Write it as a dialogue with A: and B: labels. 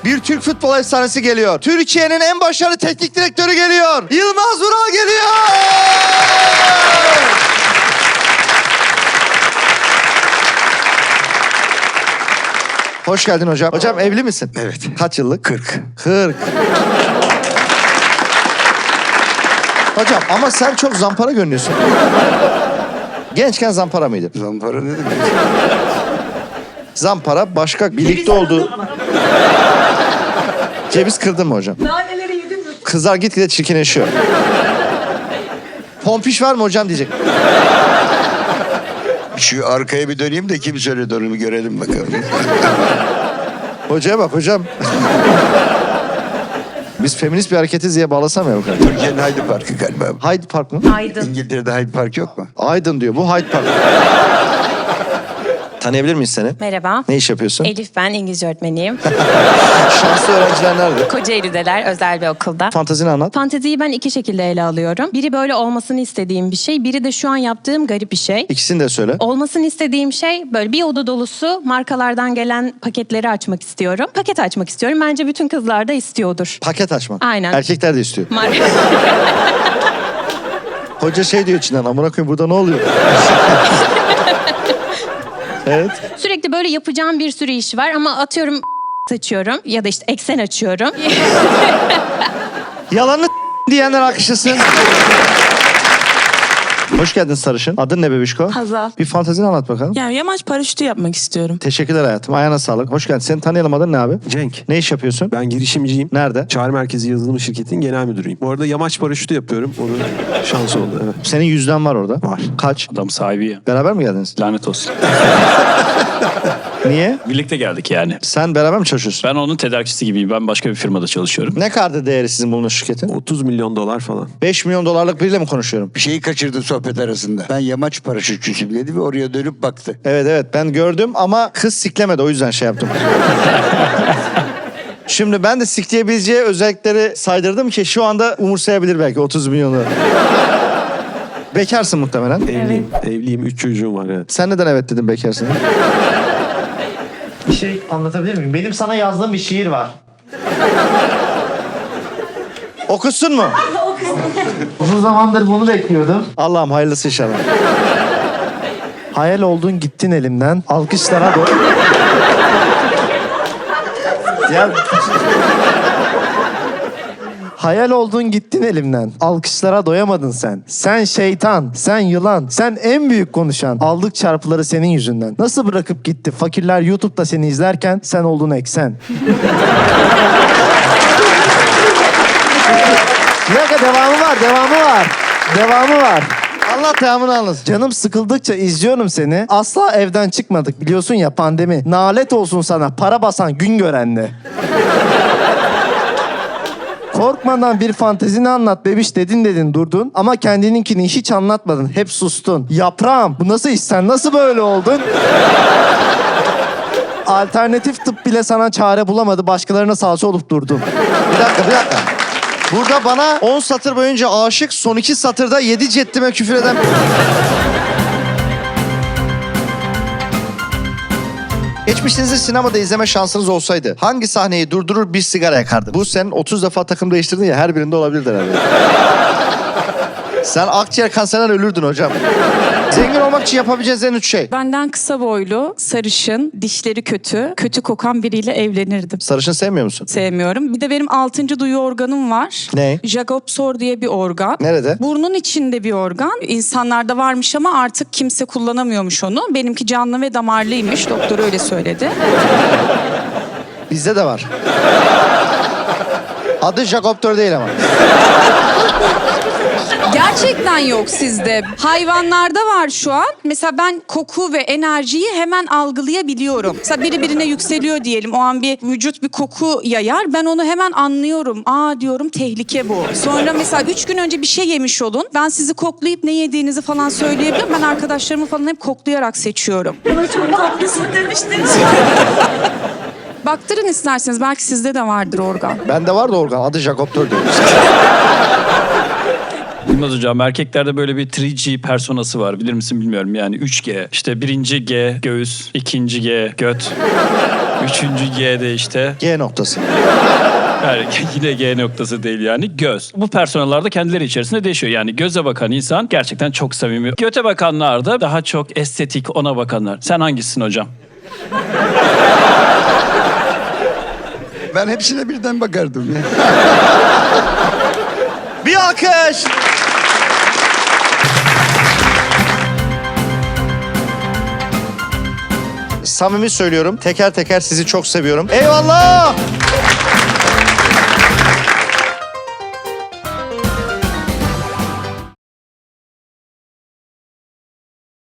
A: bir Türk futbol efsanesi geliyor. Türkiye'nin en başarılı teknik direktörü geliyor. Yılmaz Vural geliyor. Hoş geldin hocam. Hocam evli misin?
B: Evet.
A: Kaç yıllık?
B: 40.
A: 40. Hocam ama sen çok zampara görünüyorsun. Gençken zampara mıydın?
B: Zampara ne demek?
A: Zampara başka birlikte olduğu... Ceviz kırdın mı hocam?
C: Naneleri yedin mi?
A: Kızlar gitgide çirkinleşiyor. Pompiş var mı hocam diyecek.
B: Şu arkaya bir döneyim de kim söyledi onu bir görelim bakalım.
A: Hocaya bak hocam. Biz feminist bir hareketiz diye bağlasam ya bu kadar.
B: Türkiye'nin Hyde Park'ı galiba.
A: Hyde Park mı?
C: Aydın.
B: İngiltere'de Hyde Park yok mu?
A: Aydın diyor. Bu Hyde Park. Tanıyabilir miyiz seni?
D: Merhaba.
A: Ne iş yapıyorsun?
D: Elif ben, İngilizce öğretmeniyim.
A: Şanslı öğrenciler nerede?
D: Kocaeli'deler, özel bir okulda.
A: Fantezini anlat.
D: Fanteziyi ben iki şekilde ele alıyorum. Biri böyle olmasını istediğim bir şey, biri de şu an yaptığım garip bir şey.
A: İkisini de söyle.
D: Olmasını istediğim şey böyle bir oda dolusu markalardan gelen paketleri açmak istiyorum. Paket açmak istiyorum. Bence bütün kızlar da istiyordur.
A: Paket açmak.
D: Aynen.
A: Erkekler de istiyor.
D: Marka...
A: Hoca şey diyor içinden. Amına koyayım burada ne oluyor? Evet.
D: Sürekli böyle yapacağım bir sürü iş var ama atıyorum açıyorum ya da işte eksen açıyorum.
A: Yalanını diyenler alkışlasın. Hoş geldin sarışın. Adın ne bebişko?
C: Hazal.
A: Bir fantezini anlat bakalım.
C: Yani yamaç paraşütü yapmak istiyorum.
A: Teşekkürler hayatım. Ayağına sağlık. Hoş geldin. Seni tanıyalım, adın ne abi?
E: Cenk.
A: Ne iş yapıyorsun?
E: Ben girişimciyim.
A: Nerede?
E: Çağrı Merkezi Yazılım Şirketi'nin genel müdürüyüm. Bu arada yamaç paraşütü yapıyorum. Onun şansı oldu, evet.
A: Senin yüzden var orada.
E: Var.
A: Kaç?
F: Adam sahibi ya.
A: Beraber mi geldiniz?
F: Lanet olsun.
A: Niye?
F: Birlikte geldik yani.
A: Sen beraber mi çalışıyorsun?
F: Ben onun tedarikçisi gibiyim. Ben başka bir firmada çalışıyorum.
A: Ne kadar değeri sizin bulunmuş şirketin?
E: 30 milyon dolar falan.
A: 5 milyon dolarlık biriyle mi konuşuyorum?
B: Bir şeyi kaçırdı sohbet arasında. Ben yamaç paraşütçüsüyüm dedi ve oraya dönüp baktı.
A: Evet ben gördüm ama kız siklemedi, o yüzden şey yaptım. Şimdi ben de sikleyebileceği özellikleri saydırdım ki şu anda umursayabilir belki 30 milyonu. Bekarsın muhtemelen.
E: Evliyim. Evliyim. 3 çocuğum var, evet.
A: Sen neden evet dedin bekarsın?
G: Bir şey anlatabilir miyim? Benim sana yazdığım bir şiir var.
A: Okusun mu?
G: Uzun zamandır bunu bekliyordum.
A: Allah'ım hayırlısı inşallah.
G: Hayal oldun gittin elimden. Alkışlara Ya... Hayal oldun gittin elimden. Alkışlara doyamadın sen. Sen şeytan, sen yılan, sen en büyük konuşan. Aldık çarpıları senin yüzünden. Nasıl bırakıp gitti? Fakirler YouTube'da seni izlerken sen oldun eksen. Bir dakika devamı var.
A: Allah devamını anlasın.
G: Canım sıkıldıkça izliyorum seni. Asla evden çıkmadık biliyorsun ya, pandemi. Nalet olsun sana para basan gün görenle. Korkmadan bir fantezini anlat bebiş dedin durdun. Ama kendininkini hiç anlatmadın. Hep sustun. Yaprağım bu nasıl iş, sen nasıl böyle oldun? Alternatif tıp bile sana çare bulamadı. Başkalarına salça olup durdun.
A: Bir dakika. Burada bana 10 satır boyunca aşık, son 2 satırda 7 ceddime küfür eden... Geçmişinizde sinemada izleme şansınız olsaydı hangi sahneyi durdurur bir sigara yakardın? Bu sen 30 defa takım değiştirdin ya, her birinde olabilirdi herhalde. Sen akciğer kanserinden ölürdün hocam. Zengin olmak için yapabileceğiniz en 3 şey.
C: Benden kısa boylu, sarışın, dişleri kötü, kötü kokan biriyle evlenirdim.
A: Sarışın sevmiyor musun?
C: Sevmiyorum. Bir de benim 6. duyu organım var.
A: Ne?
C: Jacobsor diye bir organ.
A: Nerede?
C: Burnun içinde bir organ. İnsanlarda varmış ama artık kimse kullanamıyormuş onu. Benimki canlı ve damarlıymış. Doktor öyle söyledi.
A: Bizde de var. Adı Jacobtör değil ama.
C: Gerçekten yok sizde. Hayvanlarda var şu an. Mesela ben koku ve enerjiyi hemen algılayabiliyorum. Mesela biri birine yükseliyor diyelim. O an bir vücut bir koku yayar. Ben onu hemen anlıyorum. Aa diyorum, tehlike bu. Sonra mesela 3 gün önce bir şey yemiş olun. Ben sizi koklayıp ne yediğinizi falan söyleyebilirim. Ben arkadaşlarımı falan hep koklayarak seçiyorum. Bana çok tatlısın demiştiniz. Baktırın isterseniz. Belki sizde de vardır organ.
A: Bende var da organ. Adı Jacobtör diyor.
F: Bilmez hocam, erkeklerde böyle bir 3G personası var. Bilir misin bilmiyorum yani 3G. İşte 1. G göğüs, 2. G göt. Üçüncü G'de işte.
A: G noktası.
F: Yani yine G noktası değil yani göz. Bu personeller de kendileri içerisinde değişiyor. Yani göze bakan insan gerçekten çok samimi. Göte bakanlar da daha çok estetik, ona bakanlar. Sen hangisisin hocam?
B: Ben hepsine birden bakardım ya.
A: Bir alkış. Samimi söylüyorum. Teker teker sizi çok seviyorum. Eyvallah.